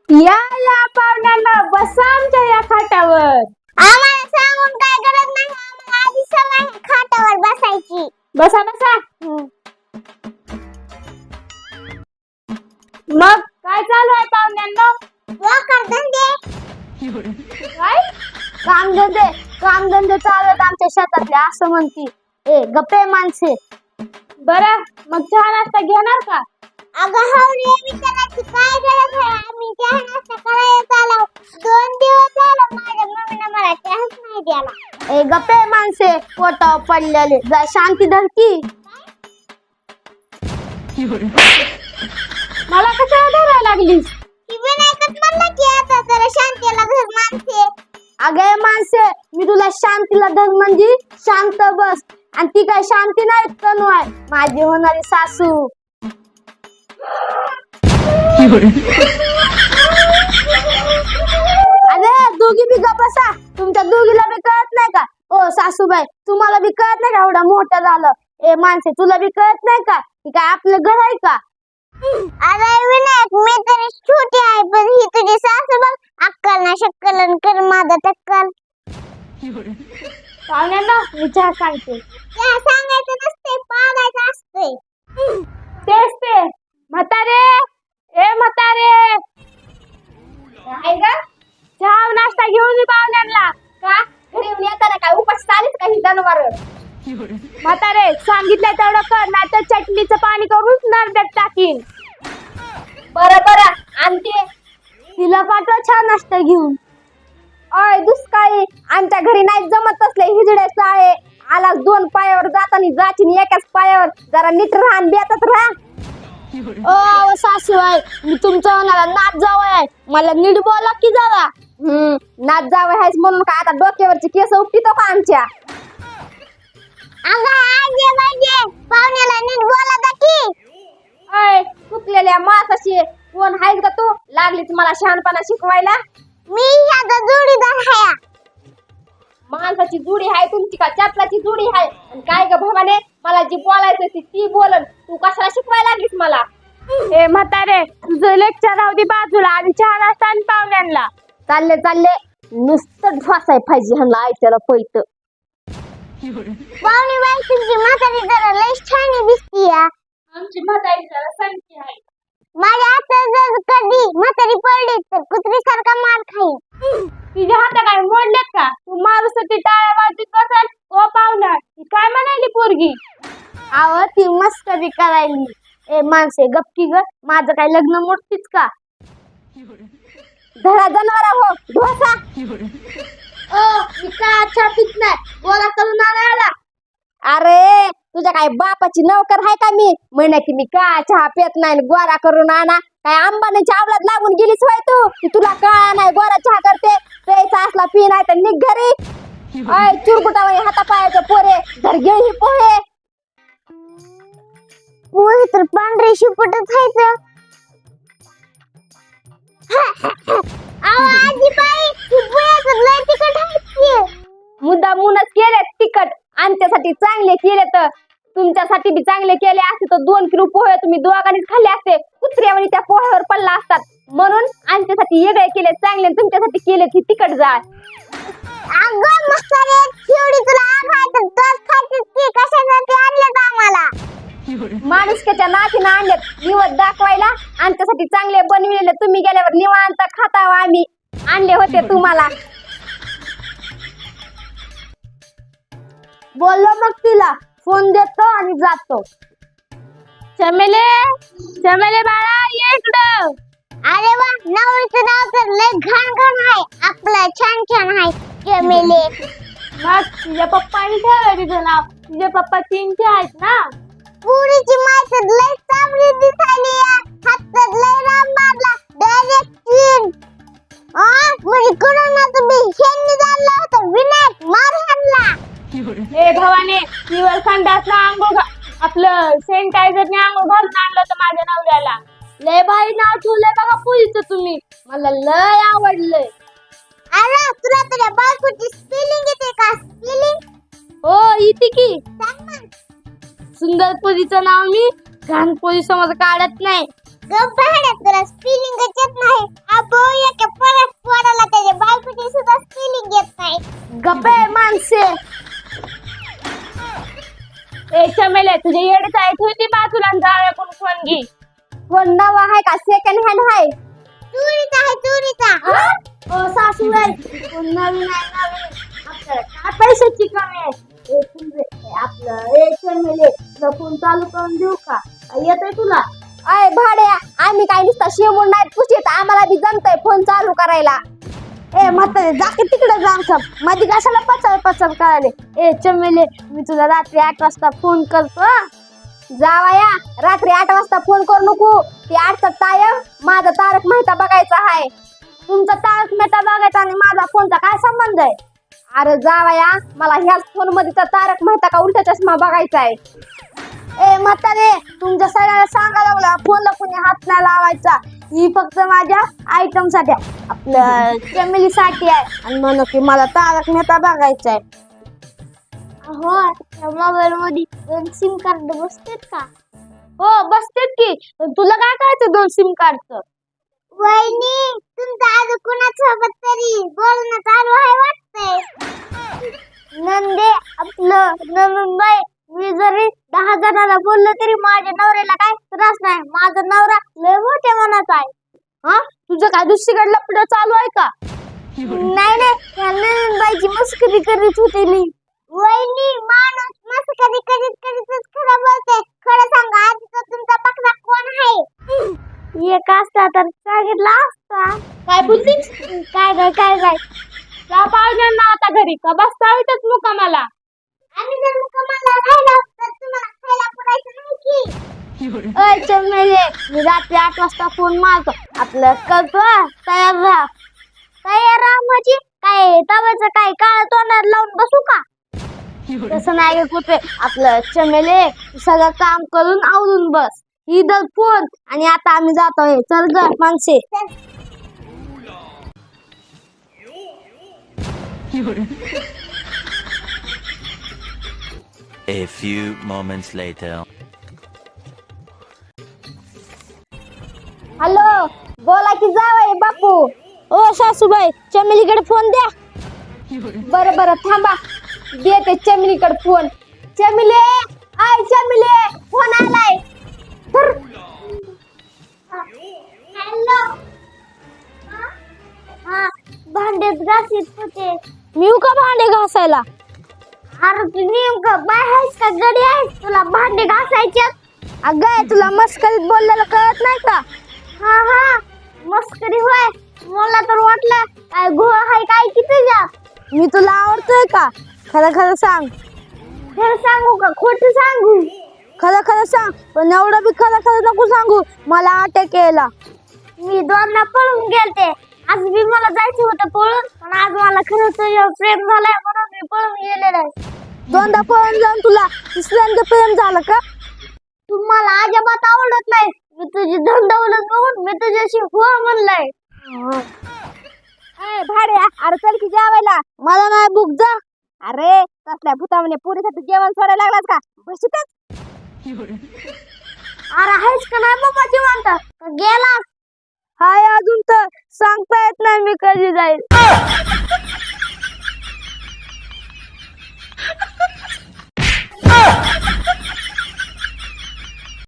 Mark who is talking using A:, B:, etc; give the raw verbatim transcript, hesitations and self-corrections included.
A: या या पाहुण्यांना बसा आमच्या या खाटावर.
B: आम्हाला सांगून काय गरज नाही, आम्हाला आधी सवय आहे खाटावर बसायची.
A: बसा बसा. मग काय चालू आहे पाहुण्यांना?
B: वखर धंदे.
A: काय कामधंदे? कामधंदे चालू आहेत आमच्या शेतातले असं म्हणती. ए गप्पे माणसे. बरं मग चहा नाश्ता घेणार का?
B: अगं हावरे विचारायची काय गरज आहे, आम्ही चहा नाश्ता करायला चाललो. दोन दिवस झालं माझ्या मम्मीने मला चहाच नाही द्याला.
A: ए गप्पे माणसे पोटावर पडलेले जा शांती धरती. मला कशाला धरायला लागलीस?
B: ती विनायकच म्हणला की आता जरा शांतीला धर माणसे.
A: अगे माणसे मी तुला शांतीला धर म्हणजे शांत बस. आणि ती काय शांती नाही तनू आहे माझी होणारी सासू. अरे दोघी बी गप्प बसा. तुमच्या दोघीला बी कळत नाही का? ओ सासूबाई तुम्हाला बी कळत नाही का एवढा मोठं झालं? ए माणसे तुला बी कळत नाही का की काय आपलं घर आहे का?
B: अरे विनायक मी तरी छोटी आहे पण ही तुझी सासू बघ अक्कल ना शक्कल कर माझा टक्कल.
A: पाहुण्यांना मी चहा सांगते.
B: चहा सांगायचं नसते पागायचं असते.
A: तेच ते म्हातारे. ए म्हातारे काय ग? चहा नाश्ता घेऊन ये पाहुण्यांना. का घरी येऊन येताना काय उपास चालीच का ही जनावर? म्हातारे सांगितलं तेवढं कर नाही तर चटणीचं पाणी करून नरड्यात टाकीन. बरं बरं आणते. तिला पाठवा चहा नाश्ता घेऊन. अय दुष्काळी आमच्या घरी नाही जमत असले हिजडे साळे. आला दोन पायावर जातानी जाचीन एकाच पायावर. जरा नीट राहा बेतात राहा. ओ सासू आहे मी तुमच्या होणारा नाच जावं आहे. मला नीट बोला की जरा. हम्म नाच जावं आहेस म्हणून काय आता डोक्यावरची केस उपटितो का आमच्या?
B: अगं आजे बाजे पाहुण्याला नीट बोला दा की.
A: अय चुकलेल्या मासाशी कोण आहेस का तू? लागलीच मला शहाणपणा शिकवायला.
B: मी ह्याचा जोडीदार हाया.
A: माणसाची जुडी आहे तुमची का चपलाची जुडी आहे? आणि काय ग भवाने मला जी बोलायचं ती ती बोलन. तू कशाला शिकवायला लागलीस मला? ए म्हातारे तुझं लेक्चर राहू दे बाजूला. आधी चहा नाश्ता आणि पाहुण्यांना. चालले चालले नुसतं ढोसाय पाहिजे ह्यांना आयत्याला पैत.
B: पाहुणी बाई तुमची म्हातारी जरा लय छान दिसतीय.
A: आमची म्हातारी जरा संख्या आहे.
B: माझ्या हातात जर कधी म्हातारी पडली तर कुत्रीसारखा मार खाईल.
A: तिच्या हात काय मोडलेत का? तू मारूसाठी टाळ्या वाजवीत बसल. ओ पाहुणा ती काय म्हणाली पोरगी? आव ती मस्करी करायली. ए माणसे गपकी ग माझं काय लग्न मोडतीच का? धरा जनावरा हो ढोसा. ओ मी का चहा पित नाही गोळा करून आणायला. अरे तुझ्या काय बापाची नोकर आहे का मी म्हणे की मी का चहा पित नाही गोळा करून आणा? काय अंबानीच्या आवलात लागून गेलीच होय तू की तुला का नाही गोळा चहा करते? प्यायचा असला पी नाही तर निघ घरी. अय चुरकुटावाई हातापायाचं पोरे धर घे ही पोहे.
B: पोहे तर पांढरे शिपटच खायचं. आजी बाई ही पोहे तर लय तिखट आहेत.
A: मुद्दा मुनच केले तिखट आमच्यासाठी चांगले केले तर तुमच्यासाठी बी चांगले केले असते तर दोन किलो पोहे तुम्ही दोघांनीच खाल्ले असते. कुत्र्यावानी त्या पोह्यावर पडला असतात म्हणून आमच्यासाठी वेगळे केले चांगले तुमच्यासाठी केले की तिखट जाळ.
B: अगं मस्करी एवढी तुला आग आहे तर दस खायचीच की कशासाठी आणलं आम्हाला?
A: माणुसक्याच्या नातीनं आणलेत निवड दाखवायला. आमच्यासाठी चांगले बनविलेले तुम्ही गेल्यावर निवांत खाता आम्ही आणले होते तुम्हाला. बोललो मग तिला फोन देतो आणि जातो. चमेले चमेले बाळा ये इकडं.
B: अरे वा नवरीचं नाव तर लय घाण घाण आहे. आपलं छान छान आहे चमेले.
A: मग तुझ्या पप्पानी ठेवलं तिचं नाव. तुझे पप्पा चीनचे आहेत ना?
B: पुरीची माय तर लय चांगली दिसायली. हातात लय राम मारला डायरेक्ट चीन. आ म्हणजे कोणाला तुम्ही हेंनी जाणलं होतं विनायक मार हाणला.
A: हे भवाने निवळ संडासला आंघोळ आपलं सॅनिटायझरने आंघोळ घालून आणलं होतं माझ्या नवऱ्याला. लय भारी नाव ठेवलंय बघा पुरीचं तुम्ही. मला लय आवडलंय.
B: अरे तुला तुझ्या बायकोची स्पेलिंग येते का? स्पेलिंग
A: हो येते की.
B: सांग ना.
A: सुंदर पुरीचं नाव मी घाण पोरी समज काढत नाही.
B: गप्प भाड्या तुला स्पेलिंगच येत नाही. अबो एका परत पोराला त्याच्या बायकोची सुद्धा स्पेलिंग येत नाही.
A: गप्पे माणसे. ए चमेले तुझे येडे जायची होती बाजूला जाळ्या कोण फोन घे. फोन नवा आहे का सेकंड हँड आहे?
B: चोरीचा आहे चोरीचा.
A: ओ सासूबाई फोन नवीन आहे नवीन. आपल्याला काय पैशाची कमी आहे? ए तुझे आपलं ए चमेले तुला फोन चालू करून देऊ का? येतोय तुला? अय भाड्या आम्ही काय नुसता शेवून नाही पुशीत आम्हाला बी जमतंय फोन चालू करायला. ए म्हातारे जा की तिकडे जाऊन सब मध्ये कशाला पचल पचल करायले. ए चमेले मी तुला रात्री आठ वाजता फोन करतो हं. जावया रात्री आठ वाजता फोन करू नको. ती आठचा टाइम माझा तारक मेहता बघायचा आहे. तुमचा तारक मेहता बघायचा आणि माझा फोनचा काय संबंध आहे? अरे जावया मला ह्याच फोन मध्ये तर तारक मेहता का उलटा चष्मा बघायचा आहे. ए म्हातारे तुमच्या सगळ्यांना सांगा लागला फोनला कोणी हात नाही लावायचा. ही फक्त माझ्या आयटम साठी आपल्या फॅमिलीसाठी आहे आणि म्हणून की मला तारक मेहता बघायचा आहे.
B: हो त्या मोबाईल मध्ये दोन सिम कार्ड बसतात का?
A: हो बसतेत की. पण तुला काय करायचं दोन सिम कार्डचं?
B: वहिनी तुमचं आज कुणासोबत तरी बोलणं चालू आहे वाटतंय. नंदे आपलं नंदबाई मी जरी दहा जणांना बोललो तरी माझ्या नवऱ्याला काय त्रास नाही. माझा नवरा लय मोठ्या मनाचा आहे.
A: हा तुझं काय दुसरीकडे लपड चालू आहे का?
B: नाही नाही त्या नंदबाईची मस्करी करीत होते मी. वहिनी माणूस मस्करी करीत करीतच खरं बोलते. खरं सांगा आधी तर तुमचा पकडा कोण आहे? एक असता तर सांगितला असता.
A: काय बोलतीस?
B: काय काय काय काय
A: त्या पाहुण्यांना आता घरी का बसता येतच मुकामाला?
B: आम्ही जर मुक्कामाला राहिलो तर तुम्हाला खायला पुरायचं नाही की.
A: अय चमेले मी रात्री आठ वाजता फोन मारतो आपलं करतो हं. तयार राहा.
B: तयार राहा म्हणजे काय तव्याचं काय काळ तोंडात लावून बसू का?
A: तसं नाही कुठे आपलं चमेले सगळं काम करून आवरून बस. ही दर फोन आणि आता आम्ही जातोय. चल ग माणसे.
C: A few moments later.
A: Hello बोला की जावय बापू. ओ सासूबाई चमेलीकडे फोन द्या. बरं बरं थांबा देते चमेलीकडे फोन. चमेले आय चमेले फोन आलाय. धर.
B: हॅलो हा भांडेच घासीत होते.
A: मी येऊ का भांडे घासायला?
B: अरे तू नेमकं बाय आहेस का गडी आहेस तुला भांडे घासायचे?
A: अगं तुला मस्करीत बोललेलं कळत नाही का?
B: हा हा मस्करी होय. मला तर वाटलं काय घोळ आहे काय की तुझ्या.
A: मी तुला आवडतोय का? खरं खरं सांग.
B: खरं सांगू का खोटं सांगू?
A: खरं खरं सांग पण एवढं बी खरं खरं नको सांगू. मला अटॅक यायला.
B: मी दोनदा पळून गेलते. आज बी मला जायचं होतं पळून पण आज मला खरंच तुझ्यावर प्रेम झालंय म्हणून मी पळून गेलेलं आहे.
A: दोनदा पळून जाऊन तुला तिसऱ्यांदा प्रेम झालं का?
B: तू मला अजिबात आवडत नाही. मी तुझी धंदवलत बघून मी तुझ्याशी हो म्हणलंय.
A: ए भाड्या अरे चल की जेवायला. मला नाही भूक जा. अरे तसल्या भूतामध्ये पुरीसाठी जेवण सोडायला लागलास का? बसतच.
B: अरे आहेस का नाही बाबा जिवंत का गेलास?
A: हाय अजून तर सांगता येत नाही मी कधी जाईल.